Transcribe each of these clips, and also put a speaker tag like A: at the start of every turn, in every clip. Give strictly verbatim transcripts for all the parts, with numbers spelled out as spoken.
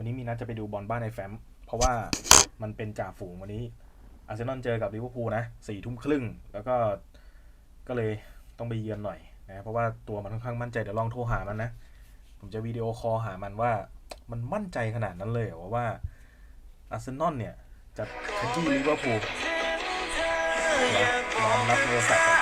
A: นี้มีนัดจะไปดูบอลบ้านในแฟ้มเพราะว่ามันเป็นจ่าฝูงวันนี้อาร์เซนอลเจอกับลิเวอร์พูลนะสี่ทุ่มครึ่งแล้วก็ก็เลยต้องไปเยือนหน่อยนะเพราะว่าตัวมันค่อนข้างมั่นใจเดี๋ยวลองโทรหามันนะผมจะวิดีโอคอลหามันว่ามันมั่นใจขนาดนั้นเลยว่าว่าอาร์เซนอลเนี่ยจะขยี้ลิเวอร์พูลลองรับโทรศัพท์กัน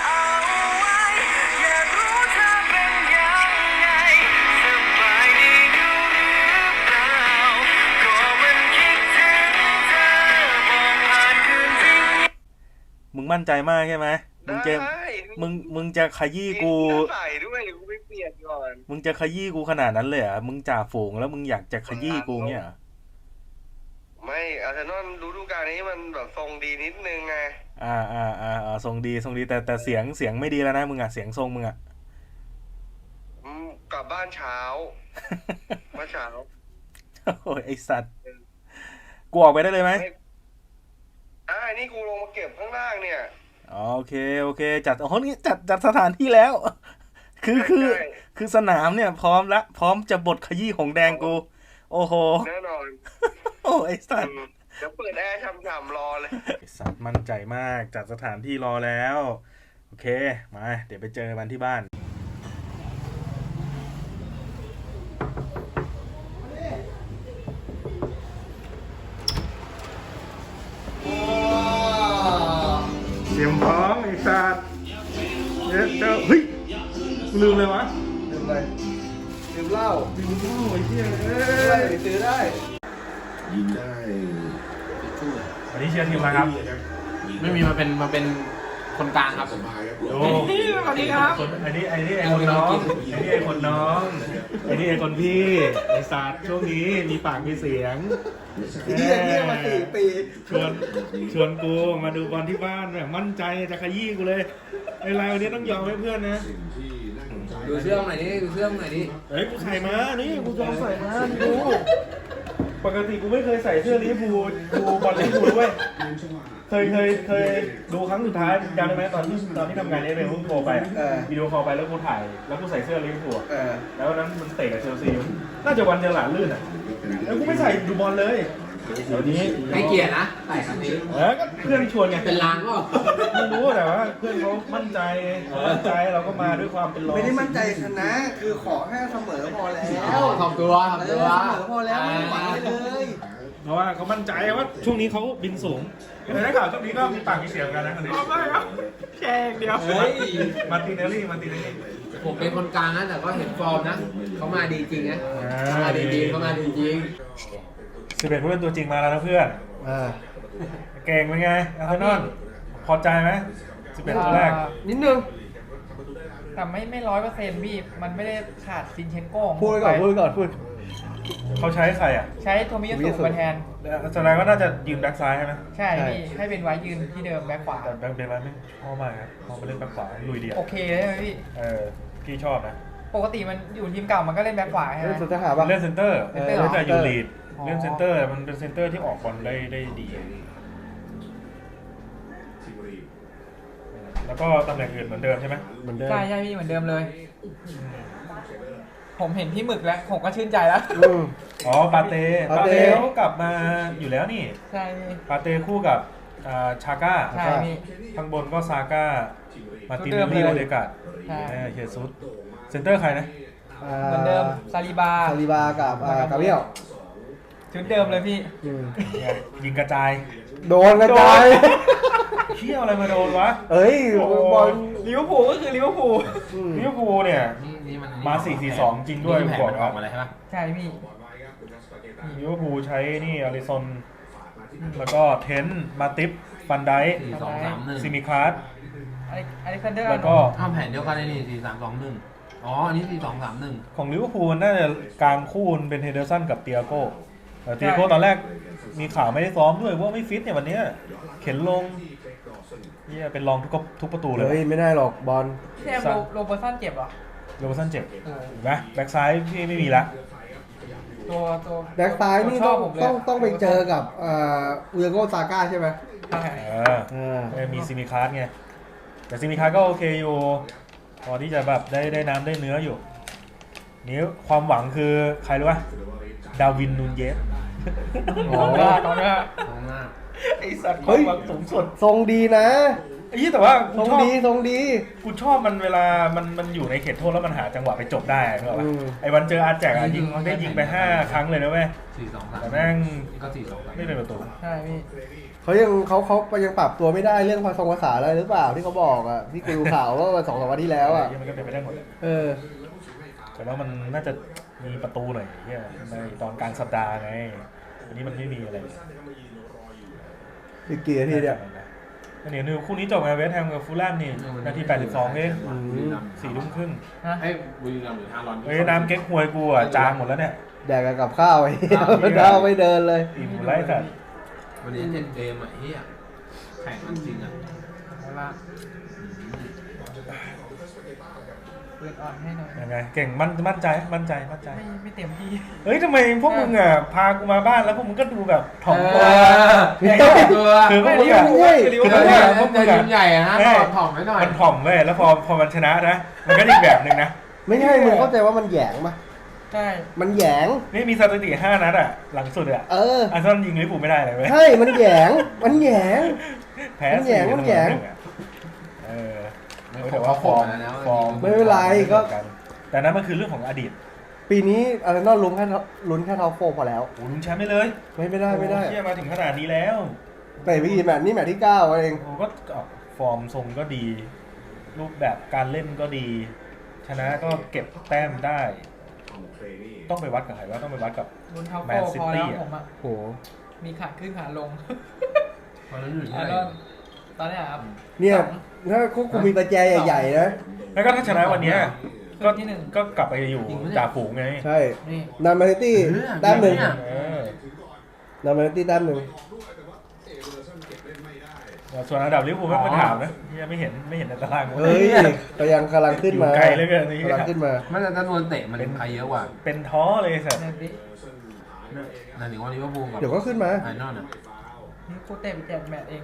A: มึงมั่นใจมากใช่ไหมมึงจะมึงมึงจะขยี้กู
B: ใส่ด้วยกูไม่เปลี่ยนก่อน
A: มึงจะขยี้กูขนาดนั้นเลยเหรอมึงจ่าฝูงแล้วมึงอยากจะขยี้กูเนี่ย
B: ไม่อาร์เซนอลฤดูกาลนี้มันแบบทรงดีนิดนึงไง
A: อ่าอ่าอ่าอ่าทรงดีทรงดีแต่แต่เสียงเสียงไม่ดีแล้วนะมึงอ่ะเสียงทรงมึงอ่ะ
B: กลับบ้านเช้าเมื่อเช้า
A: โอ้ยไอสัตว์กูออกไปได้เลยไหม
B: อ่านี่กูลงมาเก็บข้างล่างเนี่ย
A: โอเคโอเคจัดโอ้นี่จัดจัดสถานที่แล้วคือคือคือสนามเนี่ยพร้อมละพร้อมจะบดขยี้ของแดงกูโอ้โห
B: แน่นอน
A: โอ้ไอสัตว์
B: เดี๋ยวเปิดแอร์ช่ำๆรอเลย
A: ไอสัตว์มั่นใจมากจัดสถานที่รอแล้วโอเคมาเดี๋ยวไปเจอมันที่บ้านเตรียมพร้อมไอ้สัตว์เดี๋ยวเดี๋ยวเฮ้ยลืมเลยวะ
B: ลืมอะไรลืมเหล้า
A: ลืมเหล้าไอ้เหี้ยเอ้
B: ยซื้อได้
C: ยิงได้
A: วันนี้เชียร์ทีมอะไรครับ
D: ไม่มีมาเป็นมาเป็นคนกลางครับผม
A: โอ้สวัสดีครับอันนี้อันนี้ไอ้คนน้องอันนี้ไอ้คนน้องอันนี้ไอ้คนพี่ไอ้สัตว์ช่วงนี้มีปากมีเสียง
B: เฮียเฮียมาสี่ปี
A: ชวนชวนกูมาดูบอลที่บ้านแบบมั่นใจจะขยี้กูเลยไอ้ไรวันนี้ต้องยอมให้เพื่อนนะ
D: ดูเสื้อหน่อยดิดูเสื้อหน่อยดิ
A: เฮ้ยกูใส่มานี่กูยอมใส่มาดูปกติกูไม่เคยใส่เสื้อลิเวอร์พูลดูบอลลิเวอร์พูลด้วยเคยเคยเคยดูครั้งสุดท้ายจำได้ไหมตอนที่ตอนที่ทำงานนี้เป็นรูปโทรไปวิดีโอคอลไปแล้วกูถ่ายแล้วกูใส่เสื้อลิเวอร์พูลแล้วนั้นมันเตะกับเชลซีน่าจะวันเจอหลาลื่นอ่ะแล้วกูไม่ใส่ดูบอลเลยเดี๋ยวนี้
D: ให้เกียรตินะใส่ครั้งนี้
A: เออก็เพื่อนชวนไง
D: เป็นลางก็
A: ไม่รู้แต่ว่าเพื่อนเขามั่นใจมั่นใจเราก็มาด้วยความเป็นรอง
B: ไม่ได้มั่นใจชนะคือขอแค่เสมอพอแล้ว
D: ทำตัวทำตัว
B: เสมอพอแล้วไม่หวังเลย
A: เพราะว่าเขามั่นใจว่าช่วงนี้เขาบินสูงแต่ถ้าข่าวช่วงนี้ก็มีปากมีเสียงกันนะคนนี้ไม่ครับแค่เดียวมาติเนลลี่มาติเนลลี่
D: ผมเป็นคนกลางนะแต่ก็เห็นฟอร์มนะเขามาดีจริงนะเขามาดีจริงเขามาดีจริง
A: สิบเอ็ดผู้เล่นตัวจริงมาแล้วนะเพื่อนเก่งเป็นไงอาร์เซนอลพอใจไหมสิบเอ็ดตัวแรก
D: นิดนึง
E: แต่ไม่ไม่ร้อยเปอร์เซ็นต์พี่มันไม่ได้ขาดซินเชนโก้
A: พูดก่อนพูดก่อนพูดเขาใช้ใครอ่ะ
E: ใช้โทมิยาสุมาแทน
A: แสดงว่าน่าจะยืนแบ็คซ้ายใช่ไหม
E: ใช่พี่ให้เป็นไว้ยืนที่เดิมแบ็คขวา
A: แต่แบ็คเป็นไว้ไม่ชอบมากครับพอไปเล่นแบ็คขวาลุยเดียว
E: โอเคใช่ไหมพี่
A: เออพี่ชอบนะ
E: ปกติมันอยู่ทีมเก่ามันก็เล่นแบ็คขวาใช่ไหม
A: เล่นเซนเตอร์เล่นเซนเตอร์เล่นแต่อยู่ลีดเล่นเซนเตอร์มันเป็นเซนเตอร์ที่ออกบอลได้ได้ดีแล้วก็ตำแหน่งอื่นเหมือนเดิมใช่ไหม
E: เหมือนเดิมใช่ใช่พี่เหมือนเดิมเลยผมเห็นพี่หมึกแล้วผมก็ชื่นใจแล้ว
A: อ๋อปาเต้ปาเต้เขากลับมาอยู่แล้วนี่
E: ใช่
A: ปาเต้คู่กับชาก้า
E: ใช่พี่
A: ข้างบนก็ซาก้ามาตินเนลลี่โอเดกาดเฮซุสเซนเตอร์ใครนะ
E: เหมือนเดิมซาลิบา
B: ซาลิบากับกาเบียล
E: ชุดเดิมเลยพี่
A: ยิงกระจาย
B: โดนกระจาย
A: เชี่ยวอะไรมาโดนวะ
B: เอ้ยบอล
E: ลิเวอร์พูลก็คือลิเวอร์พูล
A: ลิเวอร์พูลเนี่ยมา สี่ สี่ สอง จริงด้วย
D: บอกออกมาเลยใช่ไหม
E: ใช่พี่
A: ลิเวอร์พูลใช้นี่อาริซอนแล้วก็เทนมาติฟฟันไดซิมิคาร์ด
E: อเล็กซานเดอร์
A: แล้วก็
D: อ้าวแผนเดียวกันเลยนี่สี่สามสองหนึ่งอ๋ออันนี้สี่สองสามหนึ่ง
A: ของลิเวอร์พูลน่าจะกลางคู่เป็นเฮเดอร์สันกับเตียโก้แต่เตียโก้ตอนแรกมีข่าวไม่ได้ซ้อมด้วยว่าไม่ฟิตเนี่ยวันนี้เข็นลงนี่เป็นรองทุกทุกประตูเลย
B: เฮ้ยไม่ได้หรอกบอล
E: แซมโรเบอร์สันเจ็บเหรอ
A: โรเบอร์สันเจ็บนะแบ็กซ้ายพี่ไม่มีละ
E: ตัวตัว
B: แบ็กซ้ายนี่ต้องต้องต้องไปเจอกับอุยโกซาก้าใช่ไหม
E: ใช่
A: เออมีซิมิคาร์ดไงแต่ซิมิคาร์ดก็โอเคอยู่พอที่จะแบบได้ได้น้ำได้เนื้ออยู่นี่ความหวังคือใครรู้ป่ะดาวินนูนเยส
E: ของหน้าของหน้า
D: ของหน้า
A: ไอสัตว์ความหวังสูงสุด
F: ทรงดีนะ
A: ไอ้ยี่แต่ว่า
F: ท
A: กู
F: รง
A: ชอบ
F: ดีทรงดี
A: กูชอบมันเวลามันมันอยู่ในเขตโทษแล้วมันหาจังหวะไปจบได้ใช่ป่ะ
F: อืม
A: ไอ้วันเจออาแจกอะยิงได้ยิงไปห้าครั้งเลยนะเว้ย
D: สี่สองสาม
A: แต่แม่ง
D: ก็สี่สองสาม
A: ไม่เป็นประตู
E: ใช่พี่
F: เขายังเขาเขายังปรับตัวไม่ได้เรื่องภาษาภาษาอะไรหรือเปล่าที่เขาบอกอ่ะที่กูดูข่าวว่าสองสามวันที่แล้วอ่ะ
A: มันก็เป็นไปได้หมด
F: เออ
A: แต่ว่ามันน่าจะมีประตูหน่อยเนี่ยในตอนกลางสัปดาห์ไงอันนี้มันไม่มีอะไร
F: อีกกี่นาทีเนี่ย
A: อันนี้นิวคู่นี้จบไงเวสต์แฮมกับฟูลแลมนี่นาทีแปดสิบสองเองสี่ทุ่มครึ่ง
D: ไอ้บุรีรัมย์หรือฮารอน
A: เฮ้ยน้ำเก๊กฮวยกูอ่ะจางหมดแล้วเนี่ย
F: แดกกับข้าวไอ้เหี้ยมันเดาไม่เดินเลย
A: อิ่มหมดแล้วไอ้สัตว์
D: วันนี้เจ็ดเกมอ่ะเฮียแข่งมันจริงอ่ะ
E: เอาละเปิดอ่อนให้หน่อย
A: ยังไงเก่งมั่นมั่นใจมั่นใจมั่นใจ
E: ไม่ไม่เต็มที่
A: เฮ้ยทำไมพวกมึงอ่ะพากูมาบ้านแล้วพวกมึงก็ดูแบบถ่อมตัว
D: ตัว
A: คือพวกมึง
F: ไม่
A: อ่ะ
F: ใช่
A: คือ
D: คือ
A: พวกมึง
D: เนี่ย
A: อ่ะพวกมึ
D: จะ
A: งอ่ะ
D: ยิ้มใหญ่อะนะถอดถ่อมไว้หน่อย
A: มันถ่อมเว้ยแล้วพอพอมันชนะนะมันก็อีกแบบหนึ่งนะ
F: ไม่ใช่มึงเข้าใจว่ามันแหยงปะ
E: ใช่
F: มันแหยง
A: นี่มีสถิติห้านัดอ่ะหลังสุดอ่ะ
F: เออ
A: อาร์เซนอลยิงลิเวอร์พูลไม่ได้เลยเว้ย
F: ใช่มันแหยงมันแหยง
A: แพ้
F: มันแหย่
A: สี่
F: มันแหย่
A: เสมอหนึ่งอะเออแต่ว่าฟอร์มฟอร์ม
F: ไม่เป็นไรก็
A: แต่นั้นมันคือเรื่องของอดีต
F: ปีนี้อาร์เซนอลลุ้นแค่ลุ้นแค่ท็อปโฟร์พอแล้ว
A: โอ้ลุ้นแชมป์ไม่เลย
F: ไม่ไม่ได้ไม่ได้
A: โอ้เชี่ยมาถึงขนาดนี้แล้ว
F: แต่ไปกี่แมตช์นี่แมตช์ที่เก้าเอง
A: โอ้ก็ออกฟอร์มทรงก็ดี รูปแบบการเล่นก็ดี ชนะก็เก็บแต้มได้ ต้องไปวัดกับใครว่าต้องไปวัดกับ
E: ลุ้นเท้า
A: แม
E: โฟ
A: นซิ
E: พอ
A: ตี้
E: แล้ว
A: อะ
E: ผมอ่ะ
F: โห
E: มีขาขึ้นขาลง
D: ตอนนั้นอยู่ที่
E: อ่ะ
D: ไหน
E: แล้วตอนเนี้ยครับ
F: เนี่ย
E: สอง
F: ถ้าคุกกูมีประแจใหญ่ๆนะ
A: แล้วก็ถ้าชนะวันเนี้ยก็
E: ที่หนึ่ง
A: ก็กลับไปอยู่จ่าฝูงไง
F: ใช่
E: นี่
F: นำแมนซิตี้แต้มหนึ่ง
A: เออน
F: ำแมนซิตี้แต้มหนึ่ง
A: ส่วนอันดับลิเวอร์พูลไม่มาถามนะยังไม่เห็นไม่เห็นในตาราง
F: เฮ้ยก็ยังกำลังขึ้นมา
A: อยู่ไกลเหลือเกินนี่
F: กำลังขึ้นมา
D: มันจะจำนวนเตะมันใครเยอะกว่า
A: เป็นท้อเลยสัตว์
E: เนี่ยดิ
D: นั่นถึงว่าลิเวอร์พูลกับ
F: เดี๋ยวก็ขึ้นมา
D: ไอ้นอนอ่ะ
E: นี่กูเตะไปเจ็ดแมตช์เอง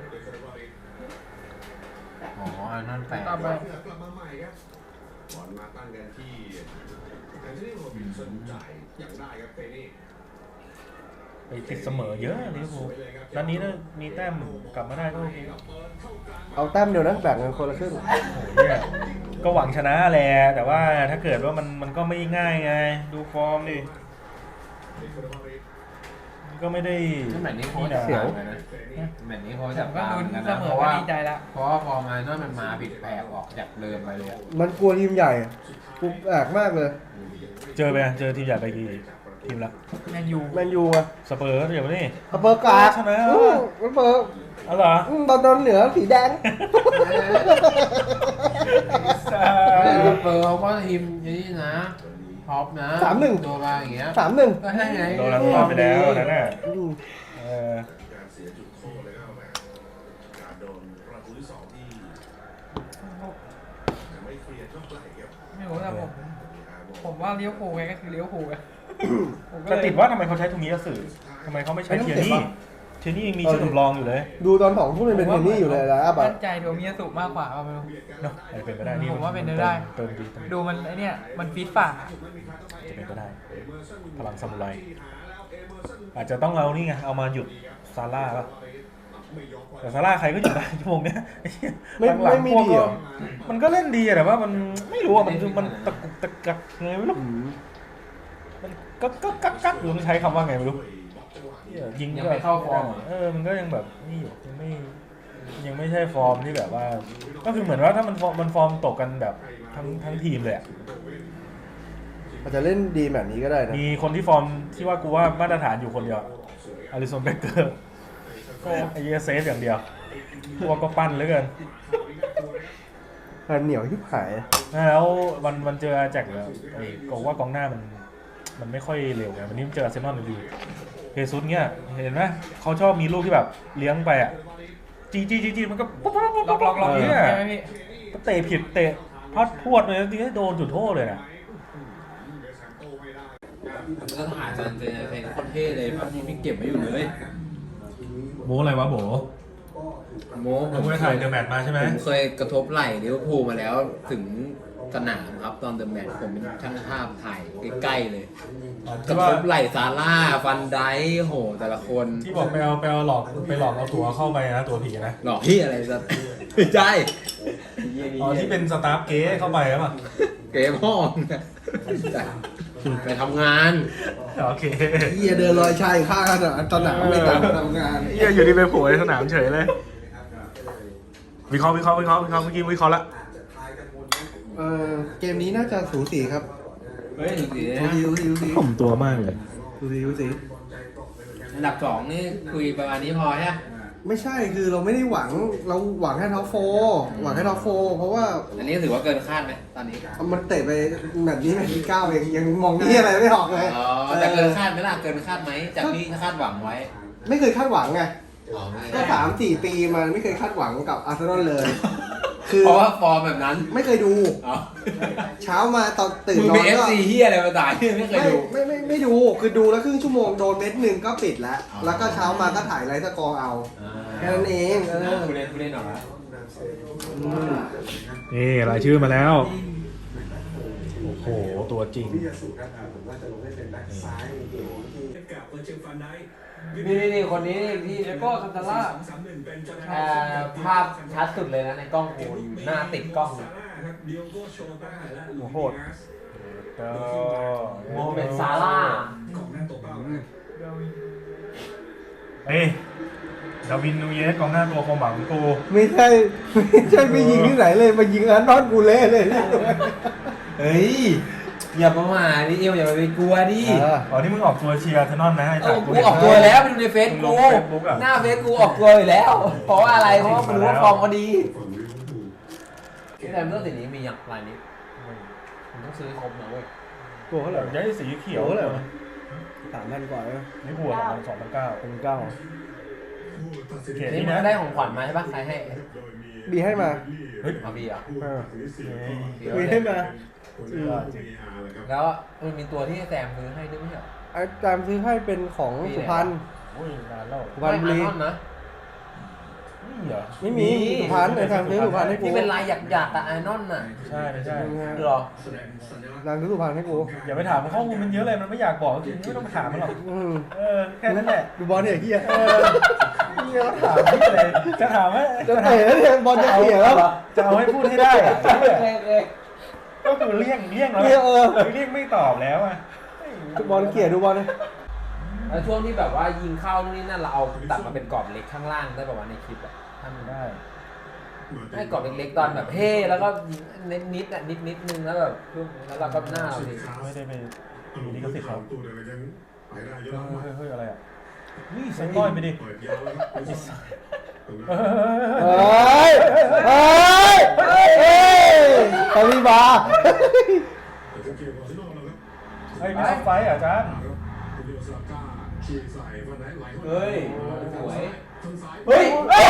D: อ๋อไอ้นอนแปด
E: ต่อไป
C: บอลมาตั้งกันที่แอนโทนีโรบินสันจ่ายอย่างได้ครับเฟนี่
A: ไปติดเสมอเยอะลิเวอร์พูลนัดนี้ถ้ามีแต้มกลับมาได้ก็โอเค
F: เอาแต้มเดียวนะแบ่งกันคนละครึ่ง
A: โอ้โหเนี่ยก็หวังชนะแหละแต่ว่าถ้าเกิดว่ามันมันก็ไม่ง่ายไง ดูฟอร์มดิมันก็ไม่ได้
D: นี่แมตช์นี้เขาจะตามกันนะแมตช์นี้เขา
E: ผ
D: จะ
E: มก็
D: ตาม
E: ลุ้น
D: กัน
E: เส
D: นะ
E: ม
D: เพ
E: อ
D: ราะ
E: ก็
D: ว่า
E: ดีใจละ
D: เพราะว่าพอมาไอ้นอนมันมาผิดแปลกออกจากเดิมไปเลยอะ
F: มันกลัวทีมใหญ่กูแอกมากเลย
A: เจอไปเจอทีมใหญ่ไปกี่ทีมละ
E: แมนยู
F: แมนยูอะ
A: สเปอร์เดี๋ยวนี่
F: สเปอร์กาด
A: ชนะ
F: อู้สเปอร์
A: เอาเหรอ
F: อืมตอนตอนเหนือสีแดง
D: สเปอร์เขาก็ทีมนี้นะท็อปนะ
F: สามหนึ่ง
D: ตัวมาอย่างเงี้ย
F: สามหนึ่ง
D: ก็ให้ไง
A: โดนรังควานไปแล้วนั่นน่ะ
F: อืม
A: เออ
C: การเสียจุดโทษเลยก็แบบการโดนประตูที่สองที่ยังไม่เคลียร์เท่าไหร่ครับ
E: ไม่รู้แต่ผม ผมว่าเลี้ยวผูลไงก็คือเลี้ยวผูลไงผมก็
A: แต่
E: เลย
A: ติดว่าทำไมเขาใช้ทูมิยาสึทำไมเขาไม่ใช้เทียนี่เทียนี่ยังมีชื่อสำรองอยู่เลย
F: ดูตอนสองทุ่มยังเป็นเทนนี่อยู่เลยนะอ่ะแบบ
E: มั่นใจโดมิยาสุมากกว่าว่าไม่รู้
A: เนาะอาจจะเป็นไปได้นี่
E: ผมว่าเป็นไปได้
A: เติมดีเติมดี
E: ดูมันไอเนี่ยมันฟีดฝ่า
A: จะเป็นไปได้ พลังซามูไรอาจจะต้องเอานี่ไงเอามาหยุดซาร่าป่ะแต่ซาร่าใครก็หยุดได้ชั่วโมงเนี้ย
F: ไม่
A: หลังๆ
F: ไม่มี
A: พวก
F: ดี
A: ก็
F: เหรอ
A: มันก็เล่นดีอะแต่ว่ามันไม่รู้อะมันมันตะกุกตะกักไงไม่รู้
F: อืม
A: มันก็ก็กักกักหรือมันใช้คำว่าไงไม่รู้ยิง
D: ยัง
A: ก็
D: ไม่เข้าฟอร์มอะ
A: เออมันก็ยังแบบนี่อยู่ยังไม่ยังไม่ใช่ฟอร์มที่แบบว่า ก็คือเหมือนว่าถ้ามันฟอร์มมันฟอร์มตกกันแบบทั้งทั้งทีมเลยอะ
F: อาจจะเล่นดีแบบนี้ก็ได้นะ
A: มีคนที่ฟอร์มที่ว่ากูว่ามาตรฐานอยู่คนเดียวอลิสันเบเกอร์ก็ไอเยเซฟอย่างเดียวพวกก็ปั้นเหลือเกิน
F: พันเหนียวที่หาย
A: แล้ววันวันเจออาแจ็คเนี่ยไอ้ก็ว่ากองหน้ามันมันไม่ค่อยเร็วไงวันนี้มันเจออาร์เซนอลดีเฮซุสเนี่ยเห็นไหมเขาชอบมีลูกที่แบบเลี้ยงไปอ่ะจีจีจีจีมันก็ปุ๊บปุ๊บปุ๊บ
E: ล็อกล็อกล็อก
A: เนี่ย
E: ใช่ไหมพี่
A: เตะผิดเตะพลาดพรวดเลยจริงๆโดนจุดโทษเลยนะ
D: มันก็ถ่ายจันเจนเซนโคตรเท่เลยแบบนี้ไม่เก็บไว้อยู่เลย
A: โบอะไรวะโบ
D: โม
A: ผมไปถ่ายเดอะแมตช์มาใช่ไหม
D: ผมเคยกระทบไหล่ลิเวอร์พูลมาแล้วถึงสนามครับตอนเดอะแมตช์ผมเป็นช่างภาพถ่ายใกล้ๆเลยก
A: ที่
D: ระ
A: ว่า
D: ทบไหล่ซาร่าฟันไดค์โหแต่ละคน
A: ที่บอกไปเอาไปเอาหลอกไปหลอกเอาตั๋วเข้าไปนะตั๋วผีนะ
D: หลอกที่อะไรสักไม่ใช่
A: อ๋อที่เป็นสตาฟเก๊เข้าไปหรือเปล่า
D: เกมห้องไปทำงาน
A: โอเค
F: เฮียเดินลอยชายข้างสนามสนามไม่ต่างทำงาน
A: เฮียอยู่ที่ไปโผล่ในสนามเฉยเลย วิเคราะห์วิเคราะห์วิเคราะห์วิเคราะห์เมื่อกี้วิเคราะห์ละ
F: เออเกมนี้น่าจะสูสีครับ
D: เฮ้ยดูสิ
F: สูสีสูสีสูสี
A: ผมตัวมากเลย
F: สูสีสูสี
D: อันดับสองนี่คุยประมาณนี้พอใช่ไหม
F: ไม่ใช่คือเราไม่ได้หวังเราหวังแค่ท็อปโฟร์หวังแค่ท็อปโฟร์เพราะว่า
D: อันนี้ถือว่าเกินคาดไหมตอนนี้
F: มันเตะไปแบบนี้แมตช์ที่เก้าเองยังมองนี่อะไรไม่ออกเลย
D: อ๋อแต่เกินคาดไหมล่ะเกินคาดไหมจากที่คาดหวังไว้
F: ไม่เคยคาดหวังไง
D: อ๋อ
F: ก็สามสี่ปีมันไม่เคยคาดหวังกับอาร์เซนอลเลย คือ
D: เพราะว่าฟอร์มแบบนั้น
F: ไม่เคยดู
D: อ๋อ
F: เช้ามาตอนตื่น
D: มึง
F: นอ
D: เป็น
F: น
D: เอฟ
F: ก็
D: ซีเฮียอะไรมาตายไม่เคย
F: ไม่
D: ดู
F: ไม่ไม่ไม่ดูคือดูแล้วครึ่งชั่วโมงโดนเม็ดหนึ่งก็ปิดแล้ว
D: อ๋อ
F: แล้วก็เช้ามาก็ถ่ายไลฟ์สกอร์เอา แค่นั้นเองเออ
D: ผู้เล่นผู้เล่นหน่อย
F: อืม
A: นี่รายชื่อมาแล้ว โอ้โห ตัวจริง
D: นี่นี่นี่คนนี้นี่ที่
E: เดโก้คันตาล่า
D: เอ่อภาพชัดสุดเลยนะในกล้องโอ้ยหน้าติดกล้องเลย
A: โอ้โหด ก็
D: โมเมนต์ซาร่า
A: เฮ้ยดาวินนูเยสกองหน้าตัวความหวังของกู
F: ไม่ใช่ไม่ใช่ไปยิงที่ไหนเลยมายิงอันนอนกูเล่เลย
D: เฮ้ยอย่าประมาทดิเอวอย่าไปกลัวดิ
F: เออ
A: อ๋อที่มึงออกตัวเชียร์เทนนอนนะไอ้
D: เอ
A: จ่า
D: อ
A: กู
D: กู
A: เห็น
D: ออกตัวแล้วไปดูในเฟซ
A: มึงล
D: กู
A: ง Facebook อะ
D: หน้าเฟซกูออกตัวอยู่แล้ว เพราะว่าอะไรเพราะว่ามันรู้ว่าฟอร์มเขาดีแต่เมื่อสิ่งนี้มีอย่างไรนี้ผมต้องซื้อครบนะเว้ย
F: ตัวเท่าไหร่
A: ย้ายสีเขียว
F: โอ้โห
A: เลย
F: สามพันกว่าเลย
A: นี่หัวของมันสองพันเก้า
F: เป็นเก้า
A: เขียน
D: นี่
A: นี่
D: มัน
A: นะ
D: ก็ได้ของขวัญมาใช่ปะใครให้
F: บีให้มา
A: เฮ้ย
D: มาบีอ่ะ
F: เออ
D: เดี๋ยว
F: บีให้มา
D: แล้วมันมีตัวที่แซมซื้อให้ด้วยไม่ใช่เหรอ
F: อาจารย์ซื้อให้เป็นของสุพรรณ
A: โอ้ยนานแล้ว
F: สุพรรณบุรี
D: ไม่อาร์นนะ
A: นี่เหรอ
F: ไม่มีสุพรรณอาจารย์ซื้อสุพรรณให้กู
D: ที่เป็นลายหยักๆอะไอนอนน่ะ
A: ใช่ไม่ใช่
D: เหรอ
F: อาจารย์ซื้อสุพรรณให้กู
A: อย่าไปถามมันข้อมูลมันเยอะเลยมันไม่อยากบอกจริงไม่ต้องไปถามมันหรอก
F: อืม
A: เออแค่นั้นแหละ
F: ดูบอลเนี่ยเฮีย
A: เออเฮียก็ถามพี่เลยจะถามว่า
F: จะเตะแล้วเนี่ยบอลจะเขี่ยแล้ว
A: จะเอาให้พูดให้ได้อะ
D: โอเคโอเค
A: ก็คือเลี่ยงเลี่ยงแล้ว
F: เลี่ยงเออ
A: เลี่ยงไม่ตอบแล้วอ่ะ
F: ดูบอลเขี่ยดูบอลเลย
D: แล้วช่วงที่แบบว่ายิงเข้านู่นนี่นั่นเราเอาตัดมาเป็นกรอบเล็กข้างล่างได้แบบว่าในคลิปอะทำได้ให้กรอบเล็กๆตอนแบบเฮ่แล้วก็นิดนิดๆอะนิดนิดนึงแล้วแบบแล้วเราก็หน้าเราดิ
A: ไม่ได้ไปมีลิขสิทธิ์เขาเฮ้ยเฮ้ยเฮ้ยอะไรอ่ะนี่ใส่ก้อยไปดิ
F: เฮ้ยเฮ้ยเฮ้ยคาริบา
A: เฮ้ยไม่ต้องไฟอ่ะอาจารย์
D: เฮ้ยสวย
A: เฮ้ย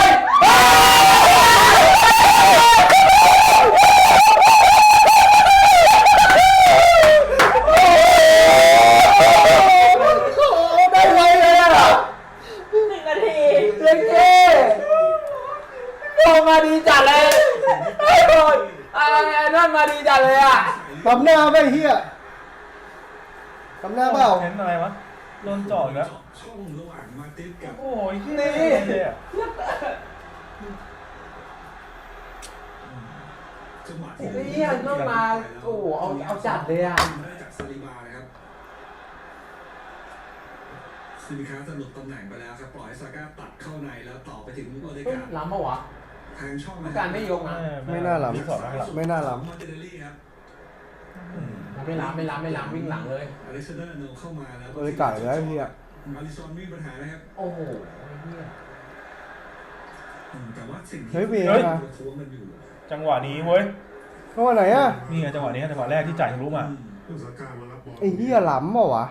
F: ได้ไวเลยอ่ะ
D: หนึ่งนาทีเล่นเท่โดนมาดีจัดเลยไอ้โดนไอ้นั่นมาดีจัดเลยอ่ะ
F: ทำหน้าไม่เฮียทำหน้าเปล่า
A: เห็นอะไรวะโดนจ่ออีกแล้วโอ้ยนี่เลยอ่ะ
D: นี่นั่นมาโอ้เอาเอาจัดเลยอ่ะ
C: ซิลิคาสนุกตำแหน่งไปแล้วครับปล่อยซาก้าตัดเข้าในแล้วต่อไปถึงโอเด
D: เฮ้ย
C: กา
D: ล้ำปะวะ
C: ทางช่อง
D: การไม่ยกนะ
F: ไม่น่าหลับ
A: สอนไม่หลับ
F: ไม่น่าหลับ
C: มาร์ติเนลลี่ครับ
D: ไม่ล้ำไม่ล้ำไม่ล้ำวิ่งหลังเลย
C: อเล็กซานเดอร์โนเข้ามาแล้ว
F: เอ้ยไก่แล้วเฮีย
C: มาริซอนมีปัญหานะครับ
D: โอ้โหเฮีย
C: อืมแต่ว่าสิ่งที่
F: เฮ้ยเบีย
A: เฮ้ย
F: ร์
C: ประท้วงมันอยู่
A: จังหวะนี้เว้ย
F: เข้ามาไหนอ่ะ
A: นี่ไงจังหวะนี้จังหวะแรกที่จ่ายทะลุมา
F: ไอ้เฮียหล้ำเปล่าวะ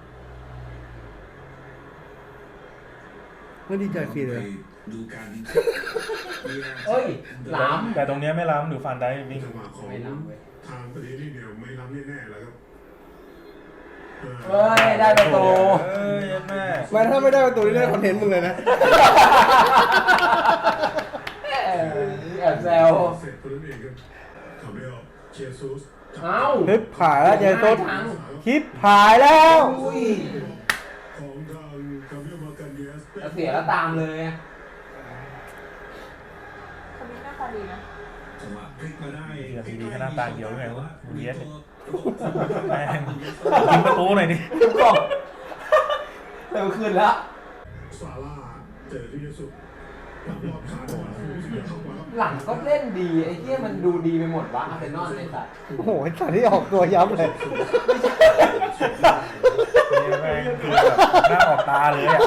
F: ไม่ดีใจฟรีเลย
C: ดูกัน
D: เฮ้ยล้
A: แต่ตรงเนี้ยไม่ล้ำหรือฟันได้วิ่ง
D: ำไม่ล้ำเว้ย
G: ทางประเทศนี้เดียวไม่รับแน่ๆแล้วครับ
D: เฮ้ยได้ประตู
A: เอ้ยแม่
F: แม้ถ้าไม่ได้ประตูนี่ได้คอนเทนต์มึงเลยนะ
D: แอบแซว
G: เสร็จคนนั้นเองครับทำไม่ออกเชซุส
D: เอ้า
F: คลิปผายแล้วเจสุด
D: ทั้ง
F: คลิปผายแล้ว
D: อุ้ย
G: ของทางคาเบียมากันเดียส
D: แล้วเสียแล้วตามเลย
H: คนนี้หน้าตาดีนะ
C: จังหวะพลิกมาได้
A: เดี๋ยวทีนี้ก็หน้าตาเหี่ยวไงวะมูเยสเนี่ยแม่งยิงประตูหน่อยดิ
D: กล่องเต็มคืนแล้ว
G: ซาร่าเจอที่เยสุหลังรอบขาดมาเสียเข้ามาครับ
D: หลังก็เล่นดีไอ้เหี้ยมันดูดีไปหมดวะอาร์เซนอลไอ้สัตว์
F: โอ้โหไอ้สัตว์ที่ออกตัวย้ำเลย
A: เนี่ยแม่งคือแบบหน้าออกตาเลยอ่ะ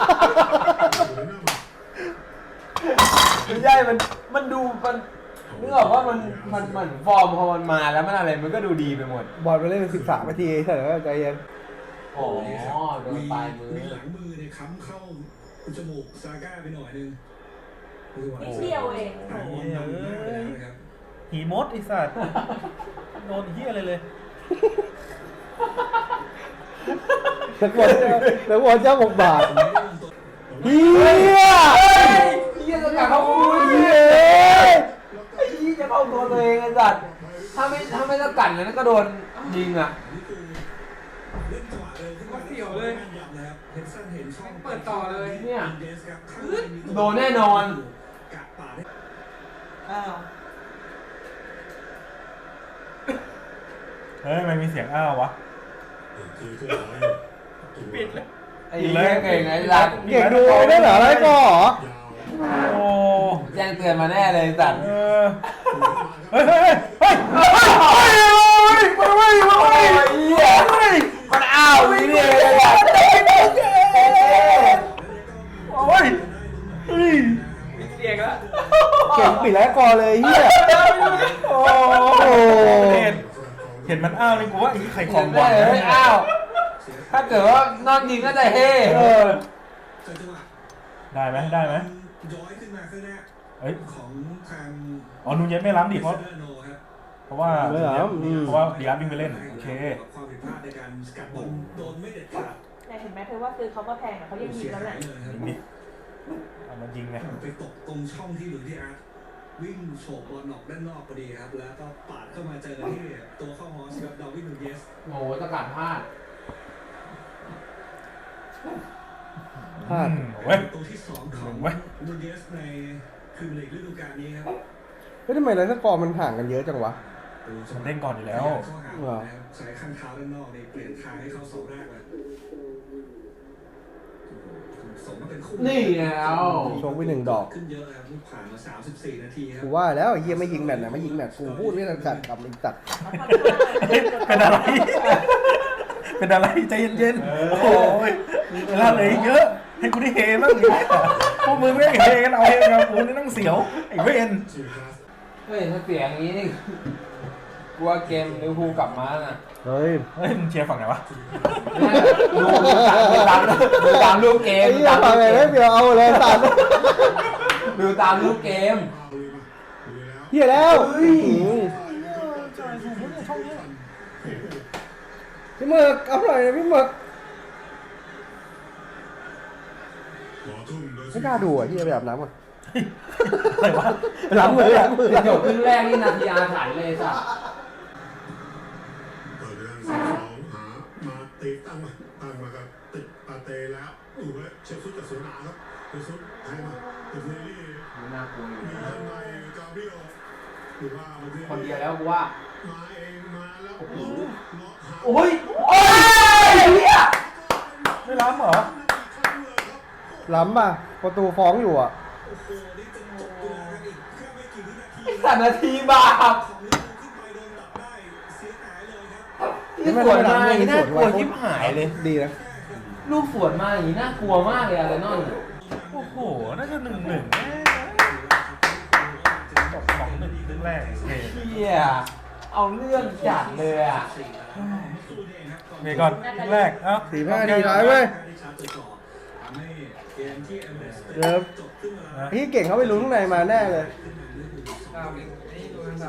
D: ไม่ใช่มันมันดูมันนึกออกว่ามันมันมันฟอร์มพอมันมาแล้วมันอะไรมันก็ดูดีไปหมด
F: บอลไปเล่นเป็นสิบสามนาทีเฉยๆใจเย็น
D: อ๋อโดนปลายมือ
C: มีหลังมือเนี่ยค้ำเข้าจมูกซาก้าไปหน่อยนึง
H: นิดเดียวเอง
C: โอ้โหนำหน้าไปแล้วนะครับ
A: หีมดไอ้สัตว์โดนเหี้ยอะไรเลย
F: นักบอลนักบอลเจ้าบกบาทเฮีย
D: เหี้ยจะกลับเข้าตัว
F: เฮี
D: เหี้ย
F: ย
D: ไอ้เหี้ยจะเข้าตัวตัวเองไอ้สัตว์ถ้าไม่ถ้าไม่ต้องกัดเลยนะก็โดนยิงอ่ะ
C: นี่คือเล่นจังหวะเร็วขึ้นมาเสียวเลยนะครับเฮนสันเห็นช่อง
E: เปิดต่อเลย
D: เนี่ย
C: เดสครับข้างในมีตัว
D: โดนแน่นอน
C: กะปาดให้
H: อ้าว
A: เฮ้ยมันมีเสียงอ้าววะ
G: ทีก็ร้อย
A: ปิดเลย
D: ไอ้เหี้ยเก่งไอ้สัตว์
F: เก่งดูได้เหรอไรก็เหรอย
G: าว
A: โอ้
D: แจ้งเตือนมาแน่เลยไอ้สัตว์
A: เออเฮ้ยเฮ้ยเฮ้ยเฮ้ยเฮ้ยมาเว้ยมาเว้ย
D: ไอ้เหี้ยมันอ้าวนี่นี่ไอ้สัตว์
A: โอ้ยเฮ้ย
E: เสียงแล้ว
F: เก่งปิดแล้วกอเลยเฮีย
A: โอ้เห็นเห็นมันอ้าวนี่กูว่าไอ้ไข่ของบอล
D: เฮ้ยอ้าว ถ้าเกิดว่านอนยิงก็จะเฮ่
A: เออ
C: จังหวะ
A: ได้ไหมได้ไหม
C: ย้อยขึ้นมาข้างหน้า
A: เฮ้ย
C: ของทาง
A: อ๋อนูเย็นไม่ล้ำดิเพราะ
C: เซอร์โนครับ
A: เพราะว่าเพราะว่าดีอาร์วิ่งไปเล่นโอเค
C: ความผิดพลาดในการสกัดบอลโดนไม่เด็ดขาด
H: แต่เห็นไหมเธอว่าซื้อเขาก็แพงแต่เขายังยิ
C: เสี
H: ง
C: ย
H: แล้ว
C: หา
H: แหละ
C: ยเลยครับ
A: ยิงดิเอามันยิงไง
C: ไปตกตรงช่องที่หลุยที่อาร์ตวิ่งโฉบบอลออกด้านนอกพอดีครับ แล้วก็ปาดเข้ามาเจอที่ตัวเข้าฮอสกับดาวิดนูเยส
D: โอ้โหตะกัดพลาด
F: พลาด
A: เว้ย
C: ตัวที่สองของ
A: เว้ย
C: นูเยสในพรีเมียร์ลีกฤดูกาลนี้ครับ
F: เฮ้ยทำไมไรสกอร์มันห่างกันเยอะจังวะ
A: มันเล่นก่อนอยู่แล้ว
C: เข้าหาบอลนะครับใช้ข้างเท้าด้านนอกในเปลี่ยนทางให้เข้าเสาแรกเลยสมมาเป็นคู่
D: นี่แล้ว
F: โชว์ไปหนึ่งดอก
C: ขึ้นเยอะครับผ่านมาสามสิบสี่นาทีครั
F: กู
C: บ
F: ว่าแล้วไอ้เฮียไม่ยิงแมตช์นะไม่ยิงแมตช์กูพูดไม่ทันสัตว์กับไอ้สัตว์
A: เป็นอะไร เป็นอะไรใจเย็นๆ โอ้ยเวลาเหลยเยอะ ให้กูได้เฮบ้างดิพวกมึงไม่เฮกันเอาเฮกันเอากูนี่ต้องเสียว ไอ้เวน
G: ชื่อคลาส
D: เฮ้ยถ้าเสียอย่างนี้นี่กลัวเกมลิเวอร์พูลกลับมาน่ะ
F: เฮ้ย
A: เฮ้ยมึงเชียร์ฝั่งไหนวะ
D: ดูดูตามดูตามรูปเกม
F: ไอ้
D: ดู
F: เหี้ย
D: ตาม
F: ฟั
D: รู
F: ง
D: ป
F: ไง
D: เก
F: ไม่
D: ม
F: เปลี่ยวเอาเลยสัตว์
D: ดูตามรูปเกม
G: เอาเลยมาดูแล้ว
F: เฮียแล้วพี่หมึกเอาหน่อยนะพี่หมึก
G: ขอทุ่มโดย
F: ไม่กล้าดูอ่ะเฮียไปอาบน้ำก่อน
A: อะไรวะ
F: ล้างมือล้างมือ
D: จบครึ่งแรกนี่นาทีอาถรรพ์เลยสัส
G: เปิดเรื่องสองหามาตีตั้งมาตั้งมากับติดปาเตแล้วดูไว้เชฟซุดกับสวนหนาครับเชฟซุดให้มาติดเนลี่
D: มันน่ากลัวอยู่
G: มีทางในกาเบรียลหรือว่ามัน
D: คนเดียวแล้วกูว่า
G: มาเองมาแล้วเลาะหา
D: โอ้ยโอ้ยเฮีย
A: ไม่ล้ำเหรอ
F: ล้ำป่ะประตูฟ้องอยู่อ่ะ
C: โอ้โหนี่จะจบเวลากันอีกแค่ไม่กี่วินาที
D: ไอ้สัตว์นาทีบาป
C: ของลิเวอร์พูลขึ้นไปโดนตัดได้เสียหายเลยครับ
D: ที่สวนมาอย่างนี้น่ากลัวชิบหายเลย
F: ดีนะ
D: ลูกสวนมาอย่างนี้น่ากลัวมากเลยอาร์เซนอล
A: โอ้โห น่าจะหนึ่งหนึ่งจบสองหนึ่งครึ่งแรกเฮ้ย
D: เฮียเอาเรื่องจัดเลยอ่ะ
A: เมย์ก่อนครึ่งแรก เอ้า
F: สี่ห้าทีท้ายเว้ย
C: ทำให้เกมที่เอเมอเรสต์
F: เริ่ม
C: จบขึ้นมา
F: พี่เก่งเขาไปลุ้นข้างในมาแน่เลย
E: ดาวนี่ดูนะครับ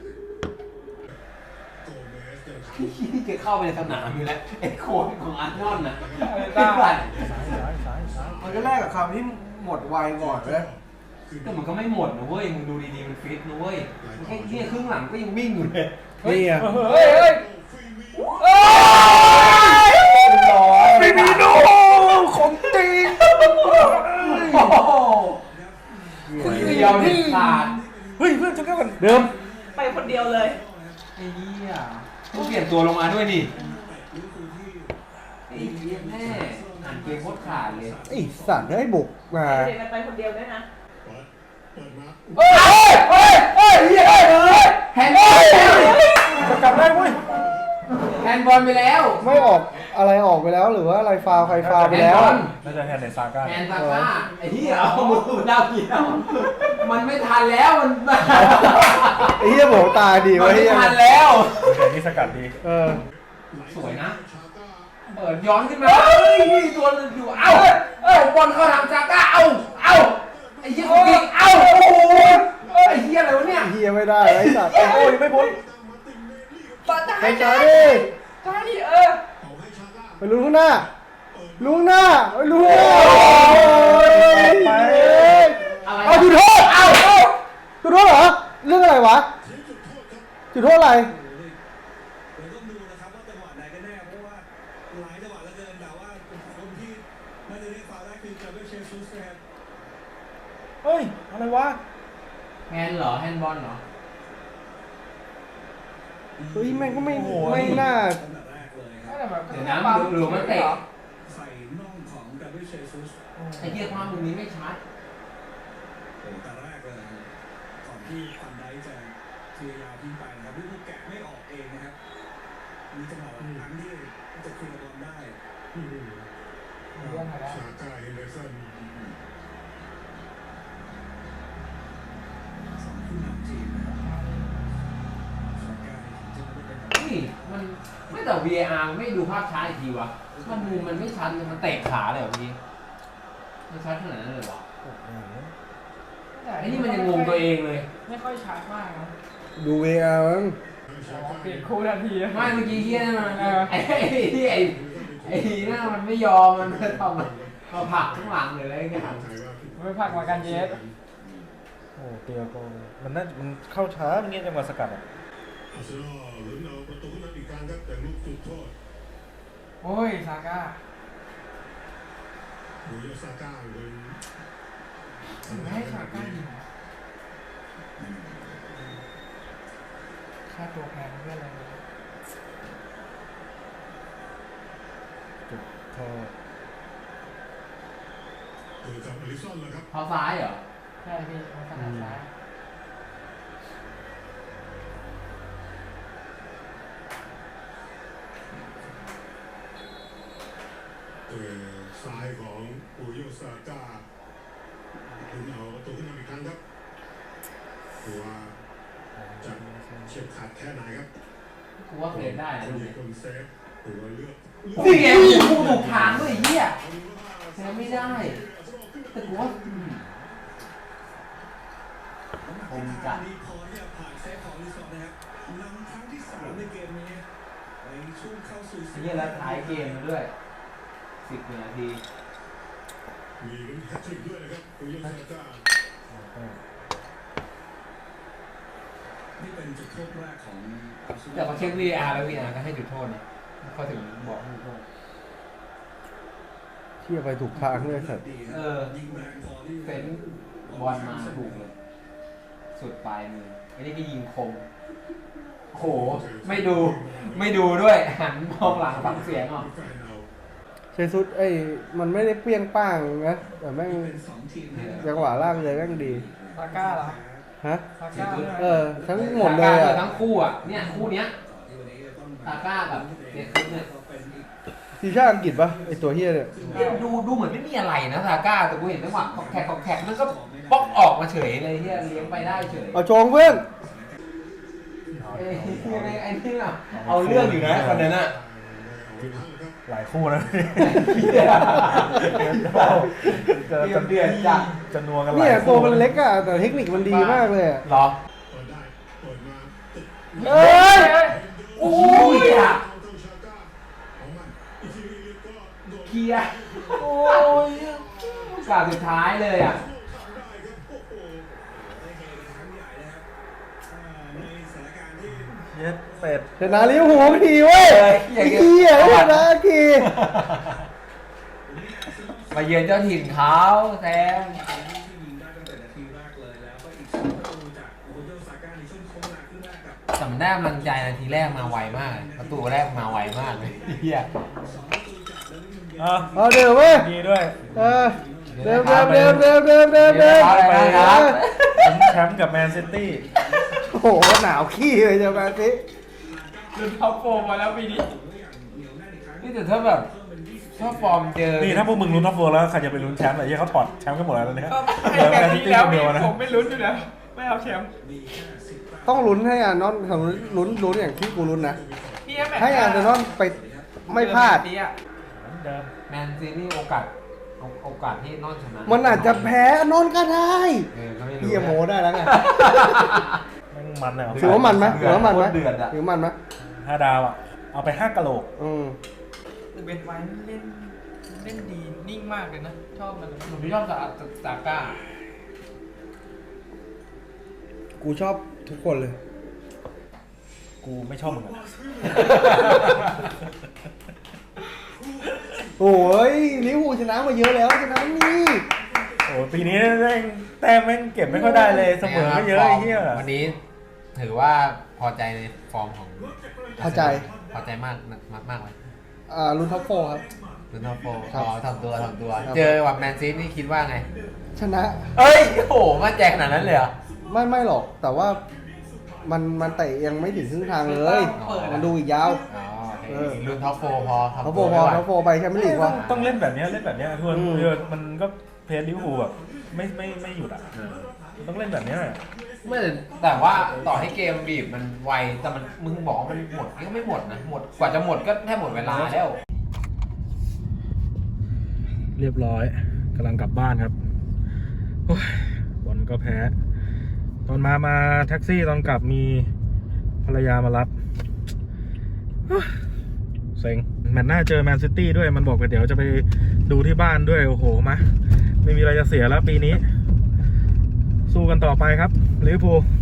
G: โกเมสยังท
D: ที่แกเข้าไปในสนามอยู่แล้วไอ้โค้ชของอาร์เซนอลน่ะไอ้สัตว์
F: มันก็แรกกับคำที่หมดไวก่อนเลย
D: แต่มันก็ไม่หมดนะเว้ยมึงดูดีๆมันฟิตนะเว้ยมันแค่เนี่ยครึ่งหลังก็ยังวิ่งอยู่เลย
F: นี่ไง
E: เฮ้ยเฮ้ยเฮ้ย
F: ไม่มีโนของจริง
D: โอ้โหเดียวเด็ดขาด
A: เฮ้ยเพื่อนจะแก้กัน
F: เดิม
H: ไปคนเดียวเลย
D: ไอ้เหี้ยต้องเปลี่ยนตัวลงมาด้วยดิไอ้เหี้ยแม่อ่านเกมโคตรขาดเลย
F: ไอสัตว์ได้บุกมา
H: เด็กกันไปคนเดียวด้วยนะ
G: เปิดเปิดมา
D: เฮ้ยเฮ้ยเฮ้ยเฮ้ยเฮ้ยแฮนด์บอลไปแล้ว
A: จะกลับได้เว้ย
D: แฮนด์บอลไปแล้ว
F: ไม่ออกอะไรออกไปแล้วหรือว่าอะไรฟาวใครฟาวไปแล้ว
A: น่าจะแฮนด์ในซาก้า
D: แฮนด์ซาก้าไอ้เหี้ยเอามือดาวเกี่ยวมันไม่ทันแล้วมัน
F: ไอ้เหี้ยบอกตาดี
D: มัน
F: วะ
D: ไม่
F: เหี้ย
D: ทันแล้ว
A: แต่นี่สกัดดี
F: เออ
D: สวยนะเปิดย้อนขึ้นมาเฮ้ยตัวนึงอยู่เอ้าเอ้าบอลเข้าทางซาก้าเอ้าเอ้าไอ้เหี้ยคนนี้เอ้าโอ้โหไอ้เหี้ยอะไรวะเนี่ย
F: เหี้ยไม่ได้ไอ้สัตว์
A: โอ้ยไม่พ้น
F: ไปจ้าดิ
E: ใช่เออ
F: ไปลุ้นข้างหน้าลุ้นข้างหน้าไปลุ้นข้างหน้า
A: ไป
D: อะไร
F: เอาจุดโทษเอาเอาจุดโทษเหรอเรื่องอะไรวะจุดโทษอะไร
C: เราต้องดูนะครับว่าจังหวะไหนกันแน่เพราะว่าหลายจังหวะเหลือเกินแต่ว่าคนที่น่าจะเรียกฟาวล์ได้คือจาเบลเชซุสนะครับ
A: เฮ้ยอะไรวะ
D: แฮนด์เหรอแฮนด์บอลเหรอ
F: เฮ้ยแม่งก็ไม่ไม่น่า
C: ตั้งแต่แรกเลยค
E: ไม่
C: รับ
E: แต่แบบ
D: เดี๋ยวนะหรือมันเตะ
C: ใส่น่องของจาเบลเชซุส
D: ไอ้เหี้ยภาพมุมนี้ไม่ชัด
C: โอ้แต่แรกเลยนะครับก่อนที่ฟันไดจะพยายามยิงไปนะครับลูกแกะไม่ออกเองนะครับมีจังหวะบางครั้งที่จะเคลียร์บอลได้
G: ชาก้าเฮนเดอร์สัน
C: สองผู้นำทีมนะครับสองการจะไม่เป็น
D: นี่มันไม่แต่ วี เอ อาร์ ไม่ดูภาพช้าอีกทีวะมันมุมมันไม่ชัดเลยมันเตะขาเลยเหรอพี่ไม่ชัดขนาดนั้นเลยเหรอไอ้นี่มันยังงงตัวเองเลย
E: ไม่ค่อยชัดมากนะ
F: ดูเวอาร์มั้ง
E: เปลี่ยนคู่ทันที
D: ไม่เมื่อกี้เฮียนั่นมันไอ้ไอ้ที่ไอ้ไอ้นั่นมันไม่ยอมมันมาทำมันมาผลักข้างหลังเลยอะไรเงี้ย
E: ไม่พักมากันเยส
A: โอ้เตียโกมันน่ามันเข้าช้าเงี้ยจังหวะสกัดอ่ะ
G: อาร์เซนอลลุ้นเอาประตูขึ้นมาอีกครั้งครับแต่ลูกจุดโทษ
E: โอ้ยซาก้า
G: บุโยซาก้าเป็น
E: ไม่ให้ซาก้ายิงค่าตัวแพงเพื่ออะไร
A: จุดโทษ
G: เกิดกับอลิซอนเลยครับ
D: เท้าซ้ายเหรอ
E: ใช่พี่มันขนาดซ้าย
G: เออซ้ายของบุโยซาก้าลุ้นเอาประตูขึ้นมาอีกครั้งครับตัวาจะเฉียบขาดแค่ไหนครับ
D: กูว่าเคยได้นะลูก
G: มี
D: นี้
G: คนเซฟตัวเลือก
D: นี่ไงกูถูกทางด้วยไอ้เฮียแซงไม่ได้ แต่กูว่าอืมคงจัด
C: ดีพอที่จะผ่านเซฟของลิซอนนะครับนำครั้งที่สามในเกมนี้ในช่วงเข้าสู่
D: ไอ้เฮียแล้วท้ายเกมมาด้วยสิบนาที
G: มีลุ้นแฮตทริกด้วยนะครับบุโยซาก้า
C: นี่เป็นจุดโทษแรกของอาร์เซนอล
D: แต่พอเช็ค วี เอ อาร์ แล้ว วี เอ อาร์ ก็ให้จุดโทษนะเขาถึงบอกให้จุดโทษ
F: เที่ยไปถูกทางเลยสัตว์
D: เออ
C: ยิงแรงพอที่
D: เฟ้นบอลมาถูกเลย สุดปลายมือไอ้นี่ก็ยิงคมโห ไม่ดู ไม่ดูด้วย หันมองหลังฟังเสียงอ่ะ
G: แฟนเอา
F: เชซุสไอ้มันไม่ได้เปรี้ยงป้างนะแต่แม่ง
C: เป็นสองทีมที่
F: จังหวะล่างเลยแม่งดี
E: ซาก้าเหรอ
F: ฮะ
E: ซาก้าด้วย
F: เออทั้งหมดเลย
D: ซาก้า
F: อ่ะ
D: ทั้งคู่อ่ะ เนี่ยคู่เนี้ย
C: ที่วันนี้จะต้อง
D: ซาก้ากับเดคุสเนี่ย
C: เป็นอีก
F: ทีมชาติอังกฤษปะไอ้ตัวเฮียเนี่ย
D: ดูดูเหมือนไม่มีอะไรนะซาก้า แต่กูเห็นจังหวะขอกแขกขอกแขกมันก็ป๊อกออกมาเฉยเลยที่เลี้ยงไปได้เฉย
F: เอาโชงเพื่อน
D: เอ้ยไอ้ไอ้นี่อ่ะเอาเรื่องอยู่นะคนนั้นอ่ะ
A: หลายคู่นะ
D: เหี้ย
A: จะ
D: เดือดเดือดจัด
A: จะนัวกันหลาย
F: เนี่ย
A: คู่
F: ตัวมันเล็กอ่ะแต่เทคนิคมันดีมากเลยอะ
D: เหรอ
G: เปิดได้เปิดมาติด
F: เอ้ย
D: โอ้ยอ่ะ
G: เอาต้องชาก้าของมันอีกทีนึงก็โดน
D: เคลียร์โอ้ยกาสุดท้ายเลยอ่ะ
G: ทำได้ครับโอ้โห
C: ได้เฮกันครั้งใหญ่นะครับอ่าในสถานการณ์ที่
A: ยเย็ดเป็ด
F: ชนะลิเวอร์พูลไม่ดีเว้ย
D: เฮ้ยอ
F: ไอ้
D: ย่างเงี้ย
F: เหี้ยชนะที
D: มาเยือนเจ้าถิ่นเขาแซม
C: ที่ยิงได้ตั้งแต่นาทีแรกเลยแล้วก็อีกสองประตูจากโอโยซาก้าในช่วงโค้งเวลาครึ่งแรกกับ
D: สำได้กำลังใจนาทีแรกมาไวมาก ประตูแรกมาไวมากเลยเฮีย
A: อ่ะ
F: เอาเดี๋ยวเว้ย
A: ดีด้วย
F: เออเดิมเดิมเดิมเดิมเดิมเดิมเดิม
A: ไป
D: ครับ
A: ลุ้นแชมป์กับแมนซิตี้
F: โอ้โหหนาวขี้เลยเจ้าแมนซิ
E: ลุ้นท็อปโฟร์มาแล้วปีนี้
D: นี่แต่ถ้าแบบถ้าฟอร์มเจอ
A: นี่ถ้าพวกมึงลุ้นท็อปโฟร์แล้วใครจะไปลุ้นแชมป์อะไรที่เขาปลอดแชมป์กันหมดแล้วตอนเนี้ย
E: ก็
A: เหลือ
E: ให้
A: แม
E: กัน
A: นซิ
E: นี้
A: ตี้
E: แล้ว
A: คนเดียวนะ
E: ผมไม่ลุ้นอยู่แล้วไม่เอาแชมป์
F: ต้องลุ้นให้อานอนของลุ้นลุ้นอย่างที่กูลุ้นนะ
E: พี่แมตช์
F: ให้อาร์เซนอลไปไม่พลาด
E: เจอแมนซีอะ
A: เดิม
D: แมนซีนี่โอกาสโอกาสที่นอนชนะ
F: มันอาจจะแพ้อานอนก็ได้
D: เออก็ไม่รู้
F: เฮียโมได้แล้วไง
A: แม่งมันเลย
F: ถือว่ามันไหมถือว่ามันไหม
D: เดือดอะ
F: ถือว่ามันไหม
A: ห้าดาวอ่ะ เอาไปห้ากะโหลก
F: อืม
E: เบนไว้เล่นเล่นดีนิ่งมากเลยนะ ชอบมัน
D: ผมชอบซาซาก้า
F: กูชอบทุกคนเลย
A: กูไม่ชอบมึงอะ
F: โอ้ยลิเวอร์พูลชนะมาเยอะแล้วชนะนี่
A: โอ้ปีนี้แม่งแต้มแม่งเก็บไม่ค่อยได้เลยเสมอก็เยอะไอ้เหี้ย
D: วันนี้ถือว่าพอใจในฟอร์มของ
F: พอใจ
D: พอใจมากมากมากเลย
F: อ่าลุ้นท็อปโฟร์ครับ
D: ลุนทอโฟ
F: ครับ
D: อ๋อทำตัวทำตัว
F: ครับ
D: เจอกับแมนซีนี่คิดว่าไง
F: ชนะ
D: เอ้ยโอ้โหมั่นใจขนาดนั้นเลยเหรอ
F: ไม่ไม่หรอก แต่ว่ามันมันเตะยังไม่ถึงครึ่งทางเลย มันดูอีกยาว
D: อ๋อโอเค
F: เออ
D: ลุนท็อปโฟพอทำ
F: ท็อปโฟ
D: ตัว
F: พอ
D: ไม่ไหว
F: ท็อปโฟไปแชมเปี้ยนลีกวะ
A: ต้องเล่นแบบเนี้ยเล่นแบบเนี้ยทวน
F: อืม
A: คือมันก็เพลย์ลิเวอร์พูลแบบไม่ไม่ไม่หยุดอ่ะต้องเล่นแบบเนี้ย
D: ไม่แต่แต่ว่าต่อให้เกมบีบมันไวแต่มันมึงบอกว่ามันหมดก็ไม่หมดนะหมดกว่าจะหมดก็แทบหมดเวลาแล้ว
A: เรียบร้อยกำลังกลับบ้านครับโอ้ยบอลก็แพ้ ตอนมามาแท็กซี่ตอนกลับมีภรรยามารับโอ้ยเซ็งแมตช์หน้าเจอแมนซิตี้ด้วยมันบอกว่าเดี๋ยวจะไปดูที่บ้านด้วยโอ้โหมาไม่มีอะไรจะเสียแล้วปีนี้ สู้กันต่อไปครับลิเวอร์พูล